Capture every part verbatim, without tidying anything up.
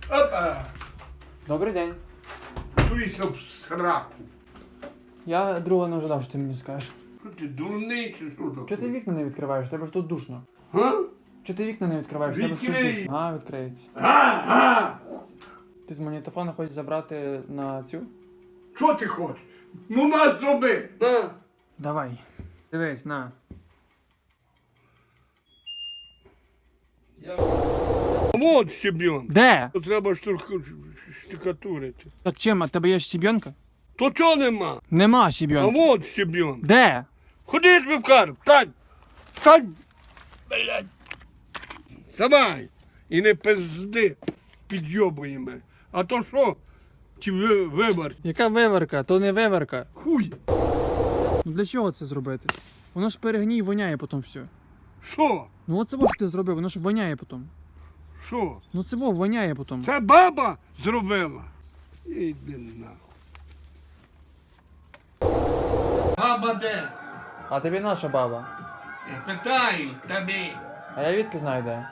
Опа! Добрий день. Туйся в сраку. Я другого не ожидав, що ти мені скажеш. Що ти, дурний чи що таке? Чого ти вікна не відкриваєш? Тебе ж тут душно. Га? Чого ти вікна не відкриваєш? Тебе ж тут Відкрий. душно. А, відкриється. Га-га! Ти з магнітофона хочеш забрати на цю? Що ти хочеш? Ну нас зроби! На! Давай. Дивись, на. Вот щебенка. Де? То треба штукатурити. Так чим, а тебе є щебенка? То чого нема? Нема А щебенки. вот щебенка. Де? Ходи тобі в кару, встань! Встань! Блядь! Вставай! І не пизди, підйобує мене. А то що? Чи ви, вибор? Яка виварка? То не виварка. Хуй! Ну для чого це зробити? Воно ж перегній воняє потім все. Що? Ну оце во, що ти зробив, воно ж воняє потім. Що? Ну це во, воняє потім. Це баба зробила? Іди нахуй. Баба де? А тобі наша баба. Я питаю тобі. А я відки знаю де.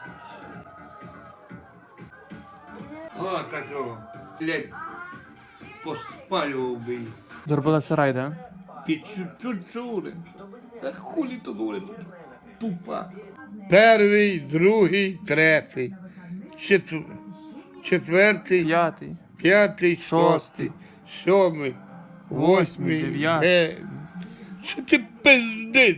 О, такого. Блядь. Поспалював би її. Зробила сарай, де? Під чуть-чуть. Так хулі тут говорить, тупа. Перший, другий, третій, четвер... четвертий, П'ятий. п'ятий, Шостий, шостий, сьомий, восьмий, дев'ятий. дев'ятий. Що ти пиздиш?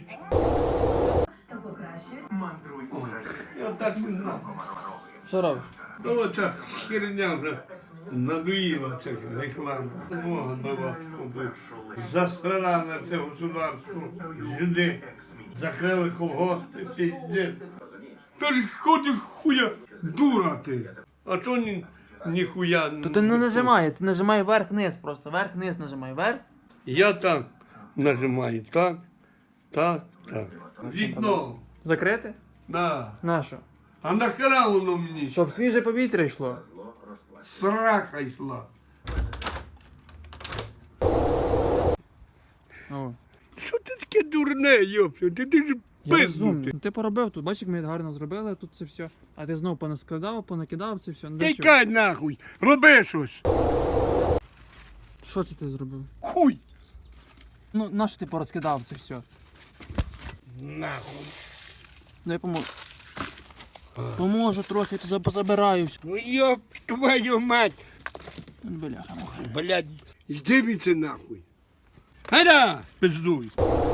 Я так не знав. Що робиш? Ну оця херня вже надоїла ця реклама. Мога дала, щоб засрала на це государство. Люди закрили колгоспи, піздець. Тож ходи хуя, дура ти. А то ні, ніхуя не... То ти не нажимай, ти нажимай вверх-вниз просто. Вверх-вниз нажимай. Вверх. Я так нажимаю, так, так, так. Вікно, Закрити? да. На що? А нахера воно мені? Щоб свіже повітря йшло. Срака йшла. О. Що ти таке дурне, йопсю? Ти, ти ж Я розумний. пизнути. Ну, ти поробив тут, бачиш, як ми гарно зробили тут це все. А ти знову понаскладав, понакидав це все. Ну, для чого? Тікай нахуй, роби щось. Що це ти зробив? Хуй. Ну, на що ти порозкидав це все? Нахуй. Дай поможу. Поможу трохи, то позабираю все. Ну йоп твою мать. Бляха, муха. Блядь, йди віце нахуй. Гайда, пиздуй.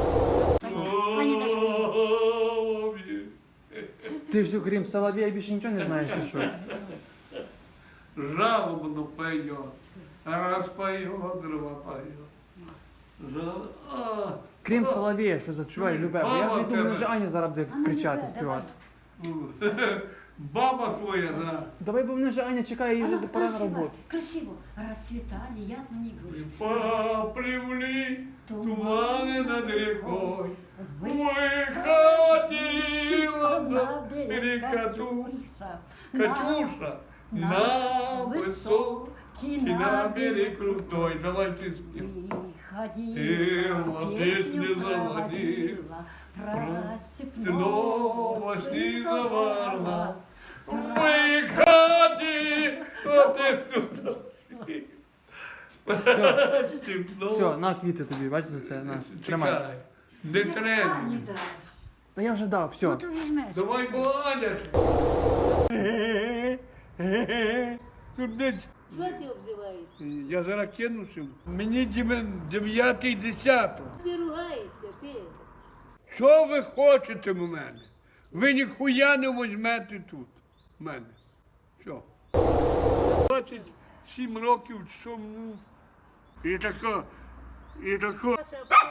Ти все, крім Соловія, більше нічого не знаєш, чи що? Жалобно поет, раз поет, два поет. Жал... А, Крім Соловія, що заспіває любе. Бо я вже думаю, що Аня зараз буде кричати, співати. Баба твоя, да. Давай, бо мене вже Аня чекає, їй вже пора на роботу. Красиво. Расцветали, я то не говорю. Поплевли туманы над рекой, выходила на берег Катюша, Катюша, на высокий, на берег крутой. Давай ты спим. Выходила, песню заводила, про степного снизоварна. Выходи, вот это Все, на квіти тобі, бачиш за це, на, тримай. Чекай, не треба. не дай. Та я вже дав, все. Ну, то візьмеш. Давай, Аня. Тут десь, Що ти обзиваєш? я зараз кинувся. Мені дім- дев'ятий десяток. Ти ругаєшся, ти. Що ви хочете в мене? Ви ніхуя не візьмете тут. В мене. Що? двадцять сім років чому. І тако, і тако.